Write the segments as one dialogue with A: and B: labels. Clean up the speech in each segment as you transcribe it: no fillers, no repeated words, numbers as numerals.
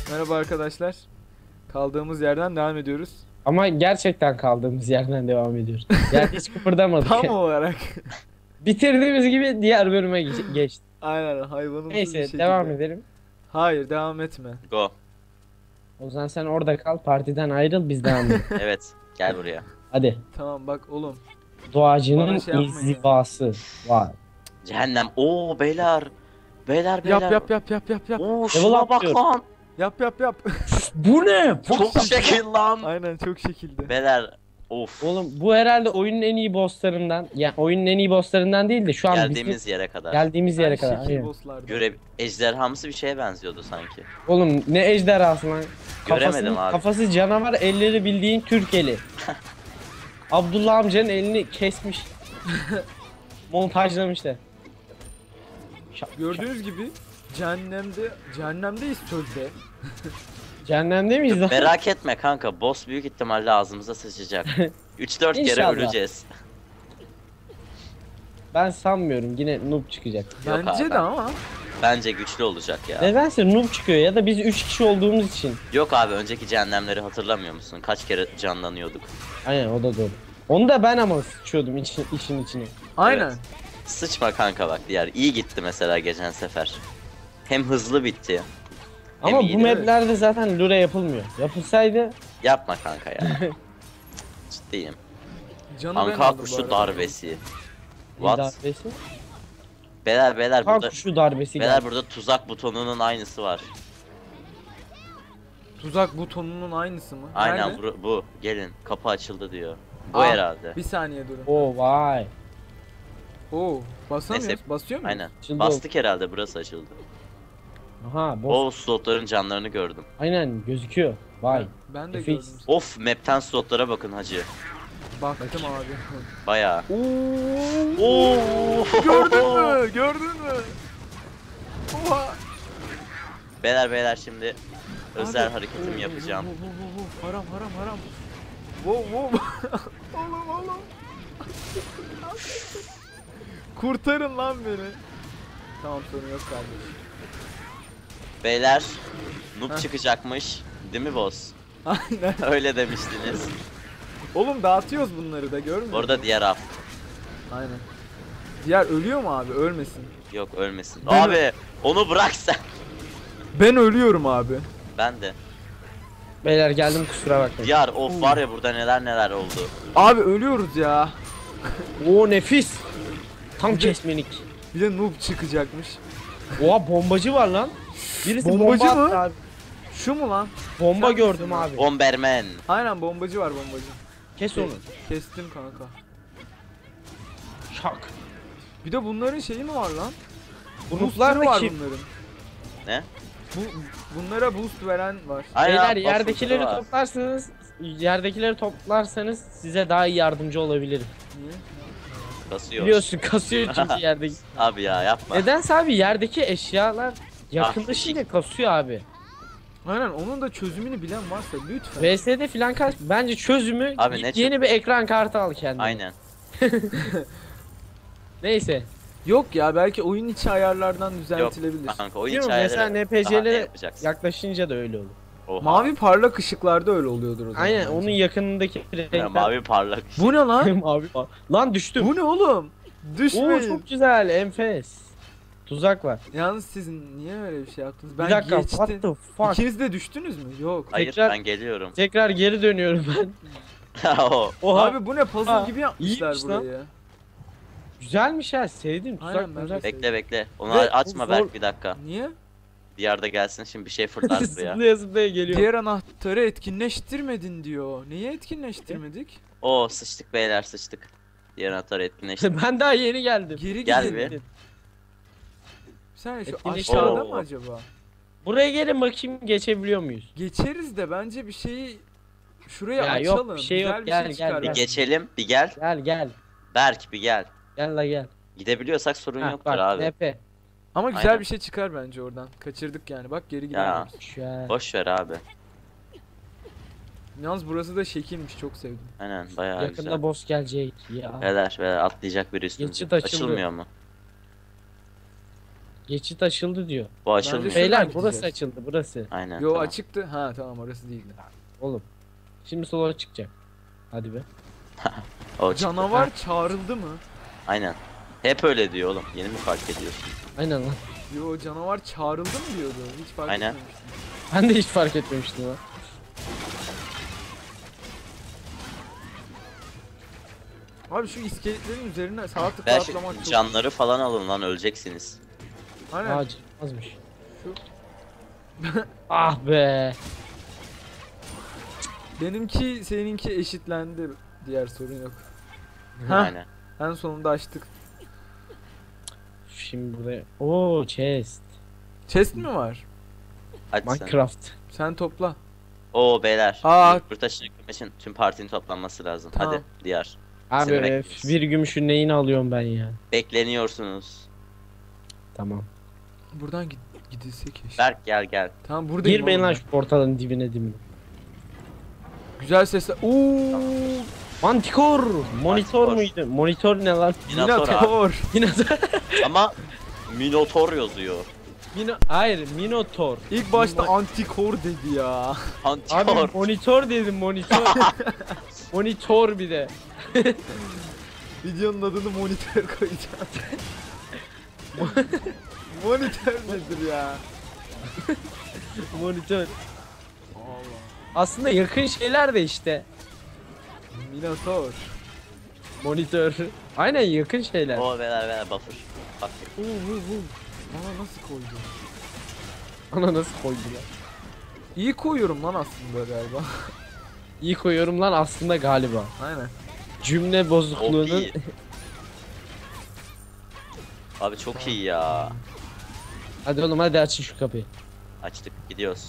A: Merhaba arkadaşlar. Kaldığımız yerden devam ediyoruz.
B: Ama gerçekten kaldığımız yerden devam ediyoruz. Yani hiç kıpırdamadık.
A: Tam olarak.
B: Bitirdiğimiz gibi diğer bölüme geçtik.
A: Aynen hayvanımsız bir
B: Neyse
A: şekilde.
B: devam edelim.
A: Hayır devam etme.
C: Go.
B: O zaman sen orada kal, partiden ayrıl, biz devam edelim.
C: Evet. Gel buraya.
B: Hadi.
A: Tamam bak oğlum.
B: Doğacının
A: Bana şey yapmayın
B: inzivası var.
C: Cehennem. Oo beyler. Beyler.
A: Yap yap.
C: Oo
B: Level
C: şuna bak
B: atlıyor.
C: lan.
A: Yap.
B: Bu ne?
C: Çok şekil lan.
A: Aynen çok şekilde.
C: Beyler. Of.
B: Oğlum bu herhalde oyunun en iyi bosslarından. Yani oyunun en iyi bosslarından değil de şu an
C: Geldiğimiz yere kadar.
B: geldiğimiz yere
A: Ben
B: kadar.
A: şekil
B: Aynen.
A: bosslardım.
C: Ejderhamsı bir şeye benziyordu sanki.
B: Oğlum ne ejderhası lan.
C: Göremedim abi.
B: Kafası canavar, elleri bildiğin Türk eli. Abdullah amcanın elini kesmiş. Montajlamışlar.
A: Gördüğünüz gibi cehennemdeyiz sözde.
B: Cehennemde miyiz lan?
C: Merak etme kanka. Boss büyük ihtimalle ağzımıza sıçacak. 3-4 kere
B: İnşallah.
C: öleceğiz.
B: Ben sanmıyorum, yine noob çıkacak.
C: Yok
A: Bence
C: abi,
A: de ama.
C: Bence güçlü olacak ya.
B: Nedense noob çıkıyor ya da biz 3 kişi olduğumuz için.
C: Yok abi önceki cehennemleri hatırlamıyor musun? Kaç kere canlanıyorduk.
B: Aynen, o da doğru. Onu da ben ama sıçıyordum işin içine.
A: Aynen.
C: Evet. Sıçma kanka bak diğer. İyi gitti mesela geçen sefer. Hem hızlı bitti.
B: Ama bu
C: iyiydi.
B: maplerde zaten lure yapılmıyor. Yapılsaydı
C: Yapma kanka ya. Ciddiyim.
A: Canı ben
C: Anka
A: aldım bu
C: kuşu
A: arada.
C: darbesi. What?
B: darbesi.
C: Beyler
B: Kan
C: burada
B: kuşu darbesi
C: beyler
B: geldi.
C: burada tuzak butonunun aynısı var.
A: Tuzak butonunun aynısı mı?
C: Aynen
A: Nerede?
C: bu. Gelin kapı açıldı diyor. Bu
A: Aa,
C: herhalde.
A: Bir saniye durun.
B: Oo vay.
A: Oo, basamıyoruz.
C: Neyse.
A: Basıyor muyuz?
C: Aynen.
B: Açıldı.
C: Bastık herhalde burası açıldı.
B: Aha boss.
C: O slotların canlarını gördüm.
B: Aynen gözüküyor. Vay.
A: Ben de
B: Nefis.
A: gördüm.
C: Of map'ten slotlara bakın hacı.
A: Baktım abi.
C: Bayağı.
A: Oo.
C: Oo.
A: Gördün mü? Oha.
C: Beyler şimdi özel
A: Abi.
C: hareketimi yapacağım.
A: Haram. Wow. Oğlum. Kurtarın lan beni. Tamam sorun yok kardeşim.
C: Beyler noob
A: Heh.
C: çıkacakmış. Değil mi boss?
A: Aynen.
C: Öyle demiştiniz.
A: Oğlum dağıtıyoruz bunları da görmüyor musun?
C: Orada diğer af.
A: Aynen. Diğer ölüyor mu abi? Ölmesin.
C: Yok ölmesin.
A: Ben-
C: Abi onu bırak sen.
A: Ben ölüyorum abi.
C: Ben de.
B: Beyler geldim, kusura bakmayın.
C: Diğer of var ya burada neler oldu.
A: Abi ölüyoruz ya.
B: Oo nefis. Tam
A: Bir de-
B: kesmelik.
A: Bir de noob çıkacakmış.
B: Oha bombacı var lan. Birisi
A: Bombacı
B: bomba
A: mı?
B: attı abi.
A: Şu mu lan?
B: Bomba
A: Sen
B: gördüm
A: misin?
B: abi.
C: Bomberman.
A: Aynen bombacı var bombacı.
B: Kes onu.
A: Kestim kanka.
B: Şak.
A: Bir de bunların şeyi mi var lan?
B: Gruplar
A: Boostları var
B: kim?
A: bunların.
C: Ne?
A: Bunlara boost veren var.
C: Aynen,
B: Beyler
C: bas
B: yerdekileri
C: var.
B: toplarsanız size daha iyi yardımcı olabilirim.
A: Niye?
C: Kasıyor.
B: Biliyorsun kasıyor çünkü yerdeki.
C: Abi ya yapma.
B: Nedense abi yerdeki eşyalar yakınlaşınca kasıyor abi.
A: Aynen onun da çözümünü bilen varsa lütfen.
B: VS'de filan bence çözümü
C: Abi ne
B: yeni bir ekran kartı al kendine.
C: Aynen.
B: Neyse.
A: Yok ya belki oyun içi ayarlardan
C: Yok
A: düzeltilebilir.
C: kanka oyun
B: Biliyorum,
C: hikayeleri.
B: mesela
C: Daha ne
B: NPC'lere
C: yapacaksın?
B: yaklaşınca da öyle olur.
C: Oha.
A: Mavi parlak ışıklarda öyle oluyordur o zaman.
B: Aynen
A: bence.
B: onun yakınındaki
C: Ya,
B: renkler.
C: mavi parlak.
A: Bu ne lan?
B: Mavi lan düştüm.
A: Bu ne oğlum?
B: Oo
A: Düşmeyin.
B: çok güzel, enfes. Tuzak var.
A: Yalnız siz niye öyle bir şey yaptınız? Ben
B: Bir dakika,
A: geçtim.
B: what the fuck?
A: İkiniz de düştünüz mü? Yok.
C: Hayır
B: Tekrar-
C: ben geliyorum.
B: Tekrar geri dönüyorum ben.
C: O.
B: Oha.
A: Abi bu ne puzzle
B: Aa,
A: gibi yapmışlar
B: iyiymiş lan.
A: burayı.
B: Güzelmiş ha, sevdim.
A: Aynen,
B: Tuzak
A: ben de
B: tuzak.
C: Bekle. Onu
B: Ve
C: açma
B: zor-
C: Berk bir dakika.
A: Niye?
C: Bir yerde gelsin şimdi bir şey fırlar buraya.
B: Zıplaya zıplaya geliyor.
A: Diğer anahtarı etkinleştirmedin diyor. Niye etkinleştirmedik?
C: Oo sıçtık beyler sıçtık. Diğer anahtarı etkinleşti.
B: Ben daha yeni geldim.
A: Geri
C: Gel
A: gidelim.
C: bir.
A: Sen şu
B: Etkinleştir-
A: aşağıda
C: Oo.
A: mı acaba?
B: Buraya gelin bakayım, geçebiliyor muyuz?
A: Geçeriz de bence bir şeyi şuraya
B: Ya yok,
A: açalım.
B: bir şey
A: Güzel
B: yok.
A: bir
B: Gel,
A: şey
B: gel,
A: çıkar
C: Bir
B: gel.
A: bence.
C: geçelim bir gel.
B: Gel.
C: Berk bir gel.
B: Gel la gel.
C: Gidebiliyorsak sorun
B: Ha,
C: yoktur
B: bak,
C: abi.
B: NP.
A: Ama güzel
C: Aynen.
A: bir şey çıkar bence oradan. Kaçırdık yani. Bak geri
C: Ya.
A: gidelim.
B: Şöyle.
C: Boş ver abi.
A: Yalnız burası da şekilmiş. Çok sevdim.
C: Aynen bayağı
B: Yakında
C: güzel.
B: boss gelecek. Ya.
C: Beyler atlayacak biri üstümüze.
B: Geçit açıldı.
C: Açılmıyor mu?
B: Geçit açıldı diyor.
C: Bu açılmıyor.
A: Şuradan
B: Beyler
A: gideceğiz.
B: burası açıldı burası.
C: Aynen.
A: Yo
C: tamam.
A: açıktı. Ha tamam orası değildi.
B: Oğlum. Şimdi sola çıkacak. Hadi be.
C: O çıktı.
A: Canavar çağrıldı mı?
C: Aynen. Hep öyle diyor oğlum. Yeni mi fark ediyorsun?
B: Aynen lan.
A: Yo canavar çağrıldı mı diyordu. Hiç fark
C: Aynen.
A: etmemiştim.
B: Ben de hiç fark etmemiştim lan.
A: Abi şu iskeletlerin üzerine sağ tıkla
C: Ben
A: atlamak çok...
C: canları falan alın lan, öleceksiniz.
A: Aynen.
B: Ağacı azmış.
A: Şu...
B: Ah be.
A: Benimki seninki eşitlendi. Diğer sorun yok. Ha,
C: Aynen.
A: en sonunda açtık.
B: Şimdi buraya. Oo chest.
A: Chest mi var?
C: Hadi sen.
B: Minecraft.
A: Sen topla.
C: Oo beyler.
A: Aa.
C: Yurttaşını yıkmak için tüm partinin toplanması lazım.
A: Tamam.
C: Hadi diğer.
B: Abi
C: Seni bekliyoruz.
B: bir gümüşün neyini alıyorum ben ya.
C: Bekleniyorsunuz.
B: Tamam.
A: Buradan gidilse keşke.
C: Berk gel.
A: Tamam buradayım.
B: Girmeyin
A: oğlum
B: lan
A: ben.
B: şu portalın dibine.
A: Güzel sesler. Ooo.
B: Mantikor. Monitör
C: Mantikor.
B: müydü? Monitör ne lan?
C: Minotaur abi.
A: Minotaur.
B: Minotaur.
C: Ama Minotaur yazıyor.
B: Hayır Minotaur.
A: İlk başta antikor dedi ya.
C: Antikor.
B: Abi monitör dedim monitör. Monitör bir de.
A: Videonun adını monitör koyacağım. Monitör nedir ya?
B: Monitör.
A: Allah.
B: Aslında yakın şeyler de işte.
A: Minotaur.
B: Monitör. Aynen yakın şeyler.
C: Oo beyler buffer. Bak.
A: Bana nasıl koydu?
B: Ana nasıl koydular?
A: İyi koyuyorum lan aslında galiba.
B: İyi koyuyorum lan aslında galiba.
A: Aynen.
B: Cümle bozukluğunun.
C: iyi. Abi çok iyi ya.
B: Hadi oğlum hadi açın şu kapıyı.
C: Açtık gidiyoruz.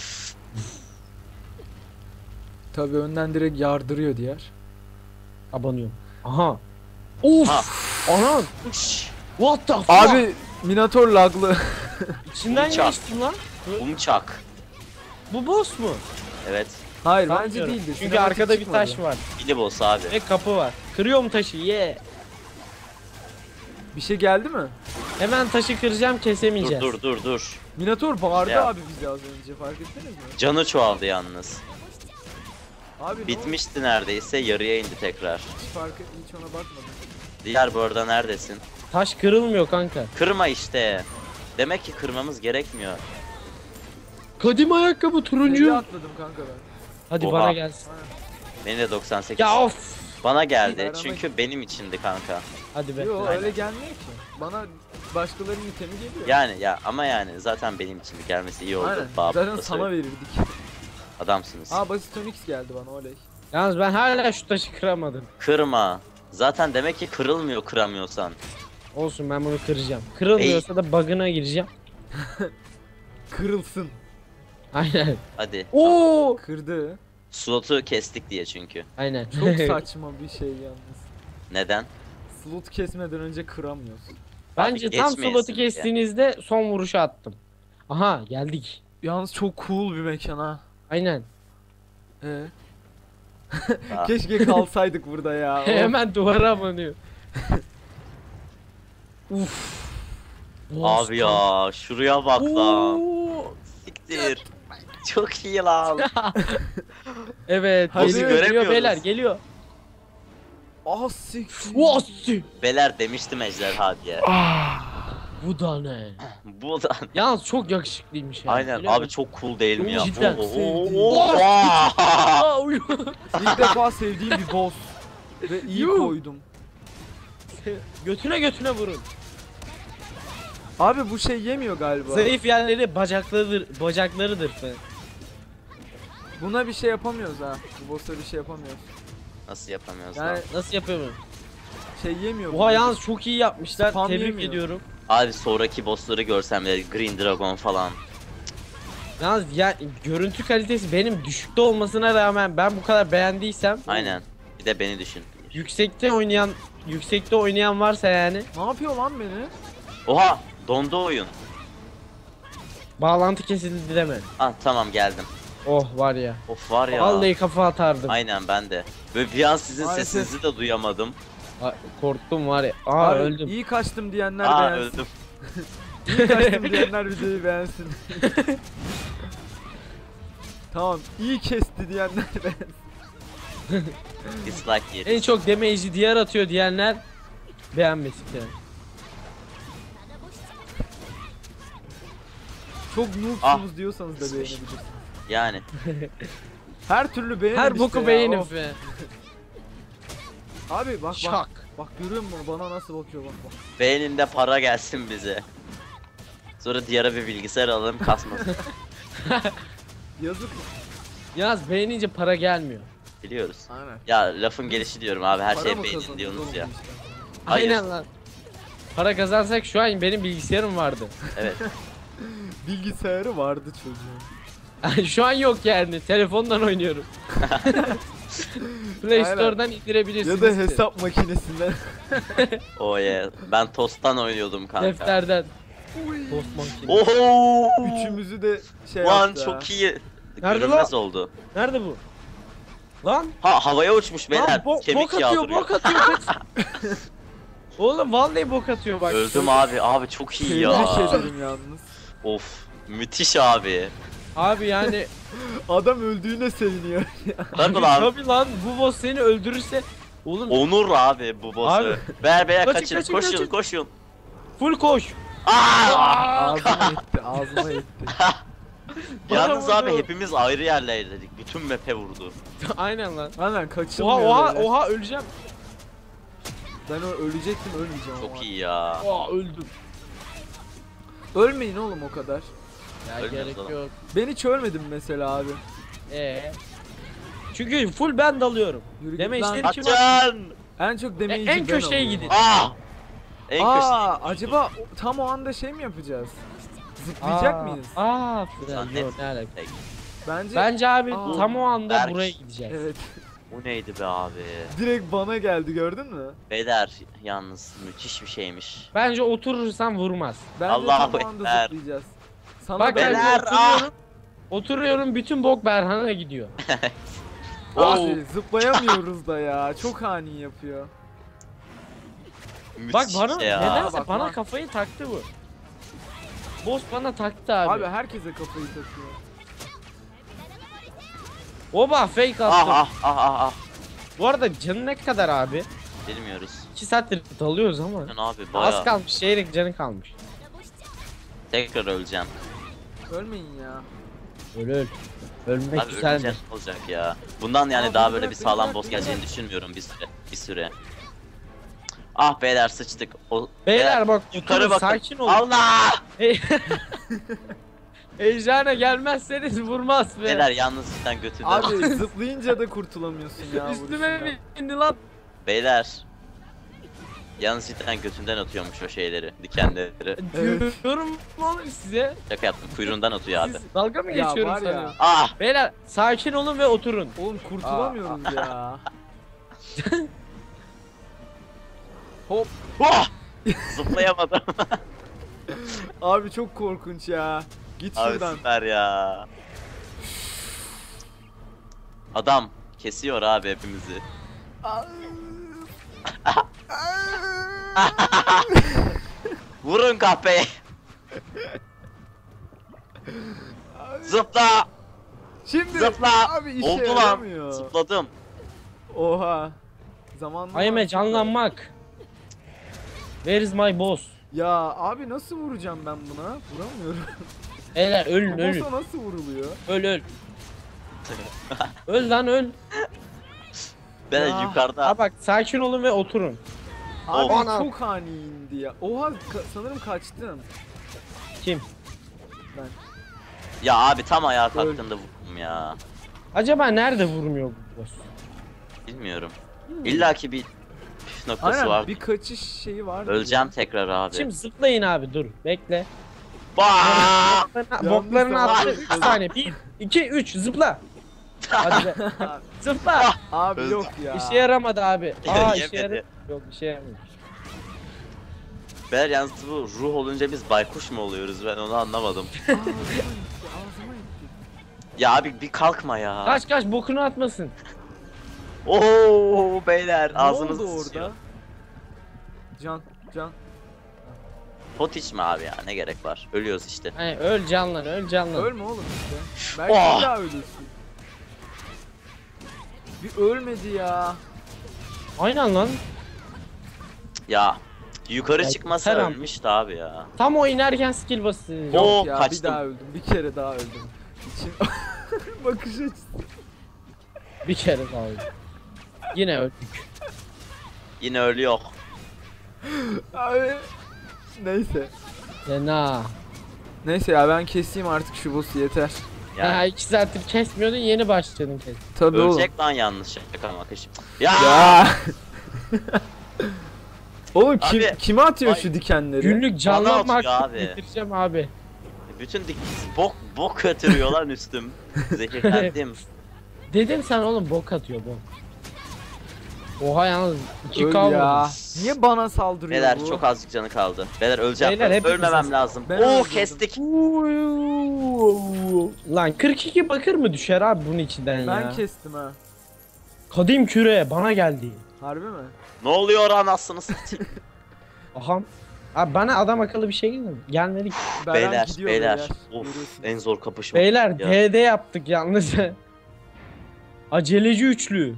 A: Tabii önden direkt yardırıyor diğer.
B: Abanıyorum. Aha. Uf.
C: Ha.
B: Anan. What the fuck?
A: Abi Minotaur laglı.
B: İçinden
C: Uçak.
B: geçtim lan.
C: Umçak.
B: Bu boss mu?
C: Evet.
A: Hayır bence
B: Sanmıyorum.
A: değildir.
B: Çünkü
A: Sinematik
B: arkada bir
A: çıkmadı.
B: taş var.
C: Mini boss abi.
B: Ve kapı var. Kırıyorum taşı ye.
A: Bir şey geldi mi?
B: Hemen taşı kıracağım kesemeyeceğiz.
C: Dur.
A: Minotaur bağırdı
C: Ya.
A: abi bizi az önce fark ettiniz mi?
C: Canı çoğaldı yalnız.
A: Abi ne oldu?
C: Bitmişti neredeyse, yarıya indi tekrar.
A: Hiç ona bakmadım.
C: Diğer bu arada neredesin?
B: Taş kırılmıyor kanka.
C: Kırma işte. Demek ki kırmamız gerekmiyor.
B: Kadim ayakkabı
A: Seviye
B: turuncu.
A: atladım kanka ben.
B: Hadi
C: Oha.
B: bana gelsin.
C: Beni de 98.
B: Ya of.
C: Bana geldi
A: Beraber-
C: çünkü benim içindi kanka.
B: Hadi be.
A: Yo
C: Aynen.
A: öyle gelmiyor ki. Bana başkalarının itemi geliyor.
C: Yani ya ama yani zaten benim içindi, gelmesi iyi oldu.
A: Aynen.
C: Babam
A: Zaten
C: da
A: sana
C: söyledi.
A: verirdik.
C: Adamsınız.
A: Aa basit Onyx geldi bana oley.
B: Yalnız ben hala şu taşı kıramadım.
C: Kırma. Zaten demek ki kırılmıyor kıramıyorsan.
B: Olsun ben bunu kıracağım. Kırılmıyorsa da bug'ına gireceğim.
A: Kırılsın.
B: Aynen.
C: Hadi.
B: Oo.
A: Kırdı.
C: Slotu kestik diye çünkü.
B: Aynen.
A: Çok saçma bir şey yalnız.
C: Neden?
A: Slot kesmeden önce kıramıyorsun.
B: Bence
C: Abi
B: tam
C: geçmeyesin
B: slotu
C: diye.
B: kestiğinizde son vuruşu attım. Aha geldik.
A: Yalnız çok cool bir mekan ha.
B: Aynen.
C: Ah.
A: Keşke kalsaydık burada ya.
B: Hemen duvara abanıyor. Uf.
C: Abi ya şuraya bak lan.
B: Oo.
C: Siktir. Çok iyi lan.
B: Evet.
A: Hadi.
B: Geliyor,
C: Göremiyoruz.
B: geliyor beyler geliyor.
A: Ah siktir.
B: Vasi.
C: Beyler demiştim ejderha diye.
B: Bu da ne?
C: Bu da.
B: Yalnız çok yakışıklıymış ya.
C: Aynen
B: Biliyor
C: abi
B: musun?
C: çok cool değil mi ya?
B: Cidden.
C: Aa!
B: Aa, uyuyor.
A: İlk defa sevdiğim bir boss. Ve iyi
B: Yuh.
A: koydum.
B: Götüne vurun.
A: Abi bu şey yemiyor galiba.
B: Zayıf yerleri bacaklarıdır.
A: Buna bir şey yapamıyoruz ha. Bu boss'a bir şey yapamıyoruz.
C: Nasıl yapamıyoruz
A: Yani
C: lan?
B: Nasıl yapıyorum?
A: şey yemiyor.
B: Oha yalnız çok iyi yapmışlar.
A: Spam
B: Tebrik
A: yemiyor.
B: ediyorum.
C: Abi sonraki bossları görsem de Green Dragon falan.
B: Yalnız ya görüntü kalitesi benim düşükte olmasına rağmen ben bu kadar beğendiysem
C: Aynen. Bir de beni düşün.
B: yüksekte oynayan varsa yani
A: Ne yapıyor lan beni?
C: Oha! Dondu oyun.
B: bağlantı kesildi deme.
C: Ah tamam geldim.
B: Oh var ya.
C: Of var ya.
B: Vallahi kafa atardım.
C: Aynen ben de. Böyle bir an sizin
A: Maalesef.
C: sesinizi de duyamadım.
B: Korktum var ya. Aa
A: Abi,
B: öldüm.
A: İyi kaçtım diyenler
C: Aa
A: beğensin.
C: öldüm.
A: İyi kaçtım diyenler videoyu beğensin. Tamam, iyi kesti diyenler beğensin.
C: Dislike
B: En
C: yeriz.
B: çok damage'i diğer atıyor diyenler beğenmesin yani.
A: Çok noobsunuz diyorsanız da
C: Sıçmış.
A: beğenebilirsiniz.
C: Yani.
A: Her türlü beğenin
B: Her
A: işte
B: boku
A: ya,
B: beğenin
A: of.
B: be.
A: Abi bak
B: Şak.
A: bak. Bak görüyor musun bana nasıl bakıyor bak bak.
C: Beğeninde para gelsin bize. Sonra diğer bir bilgisayar alalım kasmasın.
A: Yazık.
B: Yalnız beğenince para gelmiyor.
C: Biliyoruz.
A: Aynen.
C: Ya lafın gelişi diyorum abi, her
A: Para
C: şey
A: mı
C: beğenin
A: kazanıyoruz
C: diyorsunuz
A: oğlum
C: ya.
A: bu işte?
C: Hayır.
B: Aynen lan. Para kazansak şu an benim bilgisayarım vardı.
C: Evet.
A: Bilgisayarı vardı çocuğun.
B: Şu an yok yani. Telefondan oynuyorum. Play
A: Aynen.
B: Store'dan indirebilirsiniz.
A: Ya da hesap makinesinden.
C: Oh yeah. Ben Tost'tan oynuyordum kanka.
B: Defterden. Post makine.
C: Oho!
A: Üçümüzü de şey
C: Lan
A: yaptı ha.
C: çok iyi.
B: Nerede
C: Görünmez
B: lan?
C: oldu.
B: Nerede bu? Lan.
C: Ha, havaya uçmuş beyler.
B: Lan
C: Kemik
B: bok atıyor,
C: yağdırıyor.
B: bok atıyor. kaç. Oğlum vallahi bok atıyor bak.
C: Öldüm abi. Abi çok iyi
A: Tebrik
C: ya.
A: ederim yalnız.
C: Of. Müthiş abi.
B: Abi yani
A: Adam öldüğüne seviniyor.
C: Tabii lan.
B: tabii lan bu boss seni öldürürse oğlum
C: Onur abi bu boss'u.
B: Abi.
C: Ver beyler
B: Kaçın,
C: kaçın.
B: kaçın,
C: Koşun
B: kaçın.
C: koşun.
B: full koş.
C: Aa!
A: Ağzıma etti, ağzıma etti.
C: Yalnız
B: Bana
C: abi
B: vurdu.
C: hepimiz ayrı yerlerdeydik. Bütün map'e vurdu.
B: Aynen lan.
A: Aynen kaçılmıyor
B: Oha
A: böyle.
B: oha öleceğim.
A: Ben ölecektim ölmeyeceğim ama.
C: Çok iyi ya.
B: Oha öldüm.
A: Ölmeyin oğlum o kadar.
B: Ya
C: Ölmüyoruz
B: gerek
C: oğlum.
B: yok.
A: Ben hiç ölmedim mesela abi.
B: Çünkü full ben dalıyorum.
A: Yürü git
B: Deme
A: lan.
B: işleri kim
C: Açın.
A: En çok demeyici
B: en
A: ben
B: köşeye
A: oluyorum.
B: gidin.
C: Ah! En
A: Aa,
C: köşeye.
A: acaba tam o anda şey mi yapacağız? Zıplayacak mıyız?
B: Aa,
C: Zannet-
B: yok ne alaka.
A: Bence
B: Bence abi
A: Aa.
B: tam o anda
C: Berk.
B: buraya gideceğiz.
A: evet.
C: Bu neydi be abi?
A: Direkt bana geldi gördün mü?
C: Beyler yalnız müthiş bir şeymiş.
B: Bence oturursan vurmaz.
A: Bence
C: Allahu
A: tam o anda
C: Ekber.
A: zıplayacağız. Sana
B: Bak
A: da
B: ben
C: Beyler,
B: oturuyorum. Oturuyorum bütün bok Berhan'a gidiyor.
A: Abi zıplayamıyoruz da ya. Çok ani yapıyor.
B: Bak
C: Müthiş
B: bana
C: şey ya.
B: nedense
A: Bak,
B: bana
A: bak.
B: kafayı taktı bu. Boss bana taktı abi.
A: Abi herkese kafayı takıyor.
B: Oba fake
C: Ah
B: attım.
C: ah ah ah ah.
B: Bu arada canı ne kadar abi?
C: Bilmiyoruz.
B: 2 saattir dalıyoruz ama.
C: Sen abi
B: Az
C: baya
B: kalmış çeyrek canı kalmış.
C: tekrar öleceğim.
A: Ölmeyin ya.
B: Öl. Ölmek
C: Abi
B: güzeldir.
C: öleceğim olacak ya. Bundan yani
A: Abi
C: daha
A: bırak
C: böyle bir
A: beni,
C: sağlam
A: bırak
C: boss
A: beni,
C: geleceğini
A: bırak.
C: düşünmüyorum bir süre. Ah beyler sıçtık.
B: Beyler bak
C: yukarı
B: oturun,
C: bakın.
B: sakin olun.
C: Allah!
B: Ejderha gelmezseniz vurmaz be.
C: Beyler yalnız cidden götünden.
A: Abi zıplayınca da kurtulamıyorsun ya
B: Üstüme
A: vuruşundan.
B: bindi lan.
C: Beyler. Yalnız cidden götünden atıyormuş o şeyleri, dikenleri.
A: Evet.
B: Diyorum oğlum size.
C: Şaka yaptım, kuyruğundan atıyor abi.
B: Siz dalga mı
A: Ya
B: geçiyorum
A: var ya.
B: sanıyorum?
C: Ah!
B: Beyler sakin olun ve oturun.
A: Oğlum kurtulamıyoruz ya. Hop.
C: Oh! Zıplayamadım.
A: Abi çok korkunç ya. Git
C: Abi
A: şuradan.
C: süper ya. Adam kesiyor abi hepimizi. Vurun kahpeyi. Zıpla!
A: Şimdi
C: Zıpla!
A: abi işe
C: Oldu lan.
A: yaramıyor.
C: Zıpladım.
A: Oha. Zamanla
B: Ayme canlanmak. Where is my boss?
A: Ya abi nasıl vuracağım ben buna? Vuramıyorum.
B: Beyler ölün ölün.
A: Boss'a nasıl vuruluyor?
B: Öl. Öl lan öl.
C: Ben
A: Ya.
C: yukarıda.
B: Ha bak sakin olun ve oturun.
A: Abi
B: Oha.
A: çok ani indi ya. Oha sanırım kaçtım.
B: Kim?
A: Ben.
C: Ya abi tam ayağa kalktığında vurdum ya.
B: Acaba nerede vurmuyor bu boss?
C: Bilmiyorum. İlla ki bir püf noktası
A: Aynen
C: var.
A: bir kaçış şeyi var.
C: Öleceğim tekrar abi.
B: Şimdi zıplayın abi dur bekle.
C: Bah!
B: Boklarını
A: Yalnız
B: attı.
A: tamam.
B: 3 saniye. 1, 2, 3 zıpla. Hadi be. Zıpla.
A: Abi
C: Öldüm.
A: yok ya.
B: İşe yaramadı abi. Aa işe
C: Yemedi.
B: yaradı. Yok işe yaramadı.
C: Beyler yalnız bu ruh olunca biz baykuş mu oluyoruz, ben onu anlamadım.
A: Ağzıma gitti.
C: Ya abi bir kalkma ya.
B: Kaç bokunu atmasın.
C: Oo beyler
A: Ne
C: ağzınız
A: oldu
C: sıçıyor.
A: orada? Can.
C: Pot içme abi ya, ne gerek var? Ölüyoruz işte.
B: Hani öl canlan, öl canlan.
A: Ölme oğlum işte. Belki
C: Oh!
A: bir daha ölürsün. Bir ölmedi ya.
B: Aynen lan.
C: Ya yukarı
B: Ya,
C: çıkmasa
B: her an-
C: ölmüştü abi ya.
B: Tam o inerken skill basıyor.
C: Oo,
A: Yok ya,
C: kaçtım.
A: bir daha öldüm. Bir kere daha öldüm. İçim bakış açısı.
B: Bir kere daha öldü. Yine öldük.
C: Yine ölüyor.
A: Abi. Neyse.
B: Fena.
A: Neyse ya, ben keseyim artık şu boss'u, yeter.
B: Ya
C: Yani
B: 2 saattir kesmiyordun, yeni başladın kes.
A: Tabii oğlum.
C: ölecek lan yanlış yakalamak için. Ya!
A: Ya. Oğlum
C: Abi,
A: kime atıyor
C: ay,
A: şu dikenleri?
B: Günlük canlanma
C: atıyor
B: hakkı
C: abi.
B: getireceğim abi.
C: Bütün bok götürüyor lan üstüm. Zehirlendim.
B: Dedim sen oğlum bok atıyor bok. Oha yalnız 2
A: Öl
B: k
A: ya.
B: vurdum.
A: Niye bana saldırıyor
C: Beyler
A: bu?
C: çok azıcık canı kaldı. Beyler öleceğim.
B: Beyler, hepimiz
C: Ölmemem
B: az-
C: lazım.
A: Ben
C: Oo
A: öldürdüm.
C: kestik.
B: Lan 42 bakır mı düşer abi bunun içinden
A: Ben
B: ya?
A: kestim ha.
B: Kadim küre bana geldi.
A: Harbi mi?
C: Ne oluyor anasını satayım.
B: Aham. Abi bana adam akıllı bir şey gelmedi mi? Gelmedi ki.
A: Beren
C: Beyler
A: gidiyor
C: beyler.
A: beyler.
C: Of
A: Görüyorsunuz.
C: en zor kapışma.
B: Beyler
C: Ya.
B: DD yaptık yalnız. Aceleci üçlü.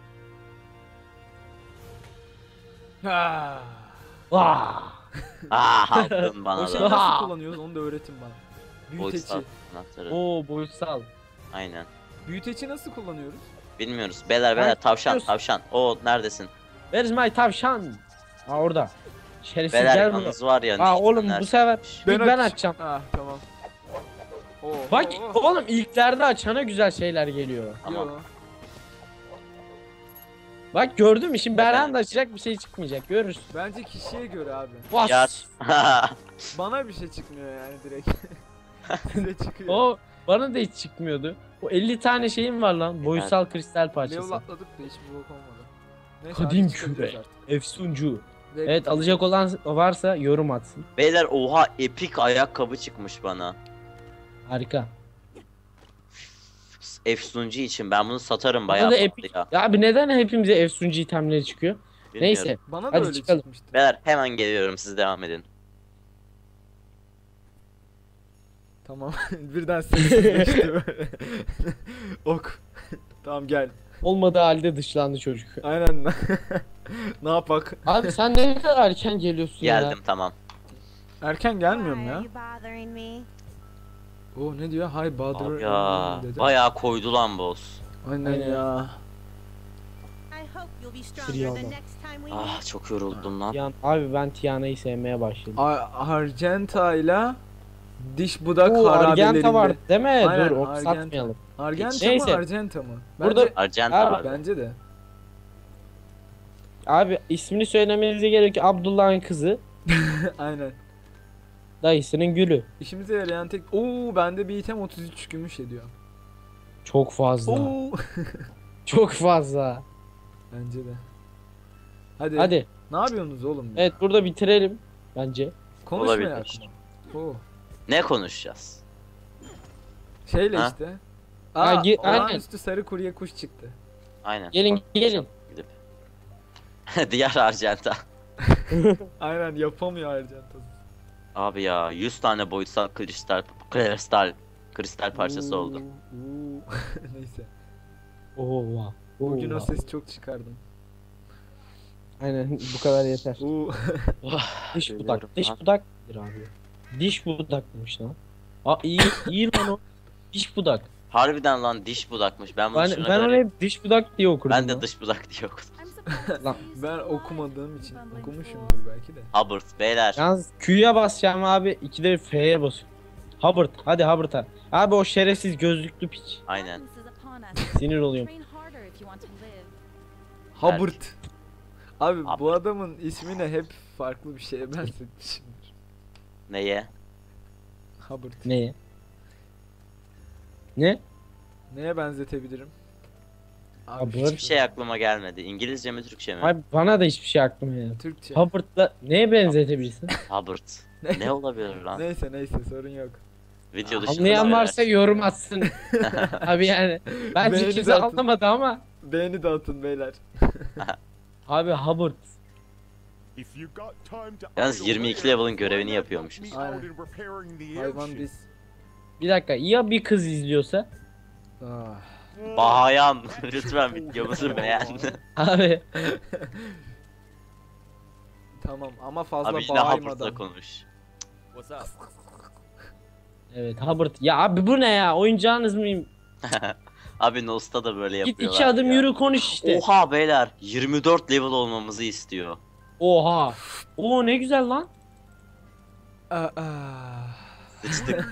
A: Ha.
B: Vah.
C: Aldın
A: O
C: bana
A: şeyi
C: da.
A: nasıl kullanıyoruz onu da öğretin bana. Büyüteci.
C: Boyutsal anahtarı.
B: Oo boyutsal.
C: Aynen.
A: Büyüteci nasıl kullanıyoruz?
C: Bilmiyoruz. Beyler beyler
B: Ben-
C: tavşan
B: biliyorsun.
C: tavşan. Oo neredesin?
B: Where is my tavşan? Ha orada. Şerefsiz
C: Beyler
B: gel buraya.
C: yalnız var ya.
B: Aa oğlum bu
C: nerede?
B: sefer ben açacağım.
A: Ha tamam. Oo,
B: Bak
A: oo,
B: oğlum ilklerde açana güzel şeyler geliyor.
C: Tamam.
A: Yo.
B: Bak gördün mü şimdi
C: Ben
B: Berhan da açacak bir şey çıkmayacak görürsün.
A: Bence kişiye göre abi.
B: Vas.
C: Yat.
A: Bana bir şey çıkmıyor yani direkt. Size çıkıyor.
B: O bana da hiç çıkmıyordu. O 50 tane şeyim var lan. Boyutsal kristal
A: Level
B: parçası.
A: atladık da hiçbir bok olmadı. Neyse,
B: Kadim
A: hadi çıkabiliriz
B: küre.
A: artık.
B: Efsuncu.
A: Ve-
B: Evet alacak olan varsa yorum atsın.
C: Beyler oha epik ayakkabı çıkmış bana.
B: Harika.
C: Efsuncu için ben bunu satarım
B: Bana
C: bayağı
B: da
C: pahalı
B: epik.
C: ya.
B: Ya abi neden hepimize efsuncu itemleri çıkıyor?
C: Bilmiyorum.
B: Neyse.
A: Bana da
B: Hadi
A: öyle
B: çıkalım.
A: çıkmıştı.
C: Beyler hemen geliyorum, siz devam edin.
A: Tamam. Birden sessizleşti böyle. Ok. Tamam gel.
B: Olmadığı halde dışlandı çocuk.
A: Aynen. Ne yapak?
B: Abi sen ne kadar erken geliyorsun ya.
C: Geldim tamam.
A: Erken gelmiyorum
D: Why
A: ya.
D: are you bothering me?
A: O ne diyor? Hi bother.
C: Abi ya
A: dedi.
C: bayağı koydu lan boss.
A: Aynen
B: Aynen.
A: ya.
D: I hope you'll be
B: Sürüyor
D: stronger
B: ama.
D: the next time we
C: Ah
D: meet.
C: çok yoruldum lan.
B: Abi ben Tiana'yı sevmeye başladım.
A: Argenta ile diş budak
B: Oo,
A: harabelerinde.
B: Argenta var değil mi?
A: Aynen,
B: Dur ok
A: Argenta.
B: satmayalım.
A: Argenta
B: Neyse.
A: mı Argenta mı?
B: Burada-
A: Bence,
C: Argent
B: Abi,
C: abi.
A: bence de.
B: Abi ismini söylemenize gerek yok. Abdullah'ın kızı.
A: Aynen.
B: Dayısının gülü.
A: İşimize yarayan tek... Oo bende bir item 33 gümüş ediyor.
B: Çok fazla.
A: Oo.
B: Çok fazla.
A: Bence de. Hadi.
B: Hadi.
A: Ne yapıyorsunuz oğlum? ya?
B: Evet burada bitirelim. Bence.
A: Konuşmayak
C: Olabilir.
A: mı? Oo.
C: Ne konuşacağız?
A: Şeyle
C: Ha?
A: işte.
B: Ha,
A: Aa,
B: aynen.
A: olağanüstü sarı kurye kuş çıktı.
C: Aynen.
B: Gelin gelin.
C: Gidip. Diğer Argenta.
A: Aynen yapamıyor Argenta.
C: Abi ya 100 tane boyutsal kristal parçası oldu.
A: Neyse.
B: Oha.
A: Bugün o
B: Oha.
A: sesi çok çıkardım.
B: Aynen bu kadar yeter.
A: Oo.
B: Diş
C: Görüyorum
B: budak. Diş
C: lan.
B: budak nedir abi? Diş budakmış lan. Aa iyi iyi lan o. Diş budak.
C: Harbiden lan diş budakmış. Ben bunu
B: Ben,
C: şuna
B: ben
C: kadar-
B: onu hep diş budak diye okurdum.
C: Ben de
B: lan.
C: dış budak diye okudum.
D: I'm surprised
B: Lan.
D: you
A: Ben
D: still
A: okumadığım
D: have
A: için
D: bumbling
A: okumuşumdur
D: fools.
A: belki de.
C: Hubbard beyler.
B: Yalnız Q'ya basacağım abi. 2'de F'ye basıyorum. Hubbard. Hadi Hubbard'a. Abi o şerefsiz gözlüklü piç.
C: Aynen.
D: Violence is upon us.
B: Sinir oluyorum.
D: Train harder if you want to live.
A: Hubbard. Abi bu
C: Hubbard.
A: adamın ismini hep farklı bir şeye benzetmişimdir.
C: Neye?
A: Hubbard.
B: Neye? Ne?
A: Neye benzetebilirim?
B: Hubbard.
C: Hiçbir şey aklıma gelmedi. İngilizce mi Türkçe mi?
B: Abi bana da hiçbir şey aklıma gelmedi.
A: Türkçe.
B: Hubbard'la neye benzetebilirsin?
C: Hubbard.
A: Ne?
C: Ne olabilir lan?
A: Neyse sorun yok.
C: Video dışında
B: Anlayan
C: beyler.
B: varsa yorum atsın. Abi yani. Bence
A: Beğeni
B: kimse
A: de atın.
B: anlamadı ama.
A: Beğeni dağıtın beyler.
B: Abi Hubbard.
C: Yalnız 22 level'ın görevini yapıyormuşuz.
A: Aynen. Hayvan biz.
B: Bir dakika ya bir kız izliyorsa?
A: Ah.
C: Bayan lütfen videomuzu beğen.
B: Abi
A: Tamam ama fazla
C: Abi yine Hubbard'la
A: bağırmadan.
C: konuş.
B: evet Hubbard. Ya abi bu ne ya? Oyuncağınız mıyım?
C: Abi Nost'a da böyle
B: Git
C: yapıyorlar
B: 2 adım
C: ya.
B: yürü konuş işte.
C: Oha beyler 24 level olmamızı istiyor.
B: Oha. Oo ne güzel lan.
A: Ah, ah.
C: Sıçtık.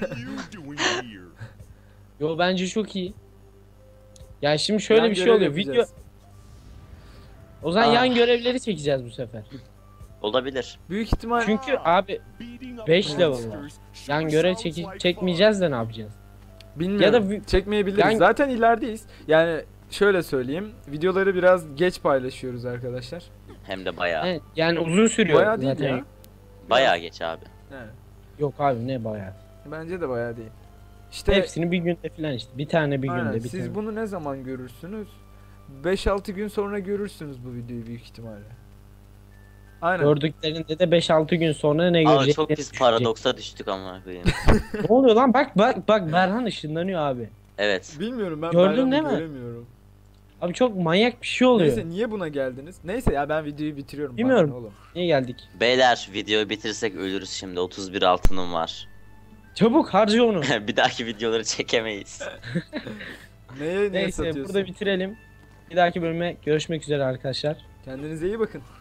B: Yo bence çok iyi. Ya şimdi şöyle
A: Yan
B: bir şey
A: görev
B: oluyor. Video
A: yapacağız.
B: o zaman
A: Ah.
B: yan görevleri çekeceğiz bu sefer.
C: Olabilir.
A: Büyük ihtimal
B: Çünkü abi 5 level var. Yan görev çekmeyeceğiz de ne yapacağız?
A: bilmiyorum.
B: Ya da
A: çekmeyebiliriz.
B: Yani-
A: Zaten ilerideyiz. Yani şöyle söyleyeyim. Videoları biraz geç paylaşıyoruz arkadaşlar.
C: Hem de bayağı.
B: Evet, yani uzun sürüyor
A: Bayağı değil
B: zaten.
A: ya.
C: Bayağı geç abi.
A: Evet.
B: Yok abi ne bayağı.
A: Bence de bayağı değil. İşte
B: Hepsini bir günde falan işte. Bir tane bir
A: aynen,
B: günde bir
A: siz
B: tane.
A: bunu ne zaman görürsünüz? 5-6 gün sonra görürsünüz bu videoyu büyük ihtimalle. Aynen.
B: Gördüklerinde de 5-6 gün sonra ne
C: Abi
B: görecekleri
C: çok pis
B: düşecek.
C: paradoksa düştük amına koyayım.
B: Ne oluyor lan? Bak Berhan ışınlanıyor abi.
C: Evet.
A: Bilmiyorum ben
B: Gördün
A: Bayram'ı
B: değil mi?
A: göremiyorum.
B: Abi çok manyak bir şey oluyor.
A: Neyse niye buna geldiniz? Neyse ya ben videoyu bitiriyorum.
B: Bilmiyorum.
A: Bana ne oğlum.
B: Niye geldik?
C: Beyler videoyu bitirsek ölürüz şimdi. 31 altınım var.
B: Çabuk harca onu.
C: Bir dahaki videoları çekemeyiz.
A: Neye
B: Neyse
A: satıyorsun?
B: burada bitirelim. Bir dahaki bölüme görüşmek üzere arkadaşlar.
A: Kendinize iyi bakın.